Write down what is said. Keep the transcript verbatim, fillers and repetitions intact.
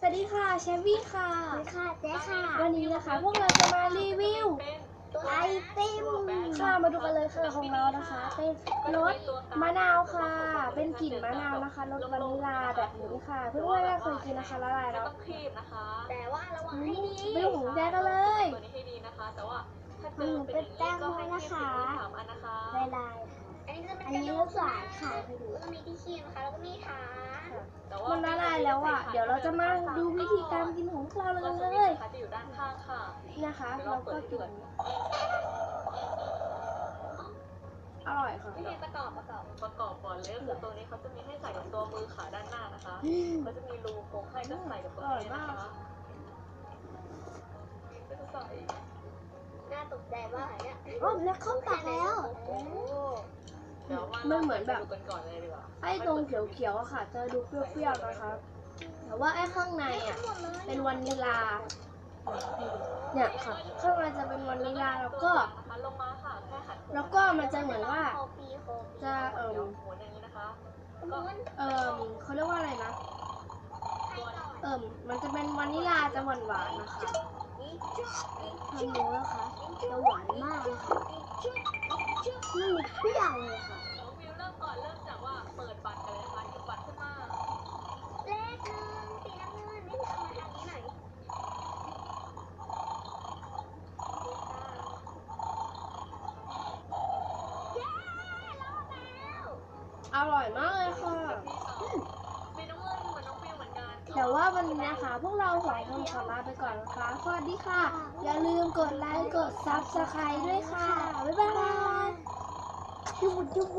วัสดีค่ะเชฟวี่ค่ะสวัสดีค่ะเจ๊ค่ะวันนี้นะคะพวกเราจะมารีวิวไอติมค่ะมาดูกันเลยค่ะของเรานะคะเป็นรสมะนาวค่ะ เป็นกลิ่นมะนาวนะคะรสวานิลลาแบบนี้ค่ะเพื่อนๆน่าเคยกินนะคะละลายแล้วต้องคีบนะคะแต่ว่าระวังให้ดีไปดูของแจ๊กันเลยตัวนี้ให้ดีนะคะ แต่ว่าถ้าเจอือมเป็นเป็นอย่างแป้นี้งก็โมให้นะคีบคะถึงสามอันนะคะลายลายอันนี้จะเป็นอันนี้กระรดูสกหวานค่ะให้ดูแล้วก็มีที่คีบนะคะแล้วก็มีฐานแต่ว่ามันละลายแล้วอ่ะเดี๋ยวเราจะมาดูวิธีการกินของพวกเรากันเลยจะอยู่ด้านข้างค่ะนะคะเราก็กินอร่อยค่ะวิธีประกอบประกอบประกอบก่อนเลยก็คือตัวนี้เขาจะมีให้ใส่กับตัวมือขาด้านหน้านะคะเขาจะมีรูโค้งให้ก็ใส่กับตัวนี้นะคะก็จะใส่น่าตกใจว่าเนี่ยอ๋อแล้วเข้าปากแล้วโอ้เดี๋ยวว่ามันเหมือนแบบดูกันก่อนเลยดีกว่าไอ้ตรงเขียวๆอะค่ะจะดูเปรี้ยวๆนะคะแต่ว่าไอ้ข้างในอ่ะเป็นวานิลลาเนี่ยค่ะข้างในจะเป็นวานิลลาแล้วก็ลงมาค่ะแค่หันแล้วก็มันจะเหมือนว่าโคปีโคปีจะเอิ่มหมุนอย่างนี้นะคะม้วนเอิ่มเขาเรียกว่าอะไรนะให้ก่อนเอิ่มมันจะเป็นวานิลลาจะหวานหวานๆนะคะนี่จุ๊บนี่ทำรู้นะคะจะหวานมากเลยค่ะจุ๊บจุ๊บนี่เปรี้ยวเลยค่ะน้องวิวเริ่มก่อนเริ่มจากว่าเปิดบัตรกันเลยนะคะหยิบบัตรขึ้นมาเลขหนึ่งสีน้ำเงินนี่เอามาทางนี้หน่อย เย้รอดแล้วอร่อยมากเลยค่ะมีน้ำเงินเหมือนน้องวิวเหมือนกันแต่ว่าวันนี้นะคะพวกเราสองคนขอลาไปก่อนนะคะสวัสดีค่ะ อย่าลืมกดไลค์กดซับสไครต์ด้วยค่ะบ๊ายบาย